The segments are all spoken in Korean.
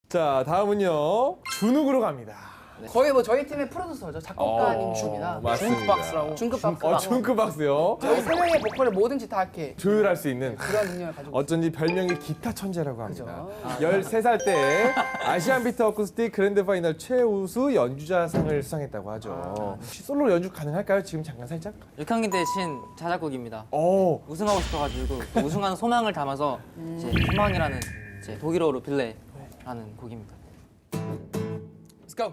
자, 다음은요. 준욱으로 갑니다. 거의 뭐 저희 팀의 프로듀서죠. 작곡가님이십니다. 맞습니다. 중크박스라고. 중크박스. 중크박스요. 저희 세 명의 보컬을 뭐든지 다 이렇게 조율할 수 있는 그런 능력을 가지고 어쩐지 별명이 기타 천재라고 합니다. 그죠. 13살 때 아시안 비트 어쿠스틱 그랜드 파이널 최우수 연주자상을 수상했다고 하죠. 혹시 솔로 연주 가능할까요? 지금 잠깐 살짝? 6학년 대신 자작곡입니다. 오, 우승하고 싶어가지고 그 우승하는 소망을 담아서 이제 희망이라는 이제 독일어로 빌레라는 곡입니다. Let's go.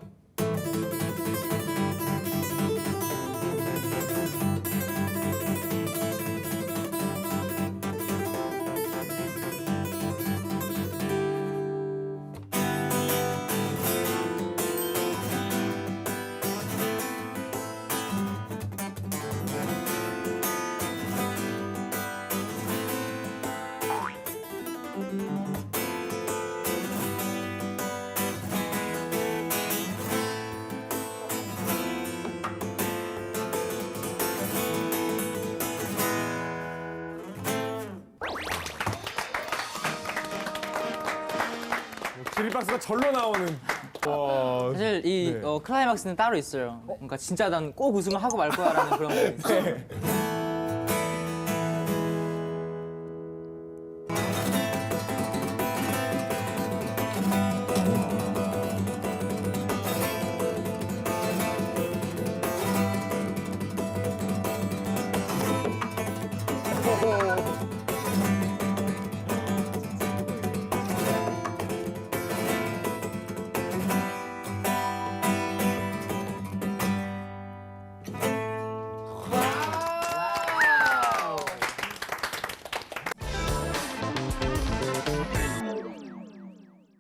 기립박수가 절로 나오는. 와. 사실 이 네. 클라이막스는 따로 있어요. 그러니까 진짜 난 꼭 우승을 하고 말 거야라는 그런 거 있어요.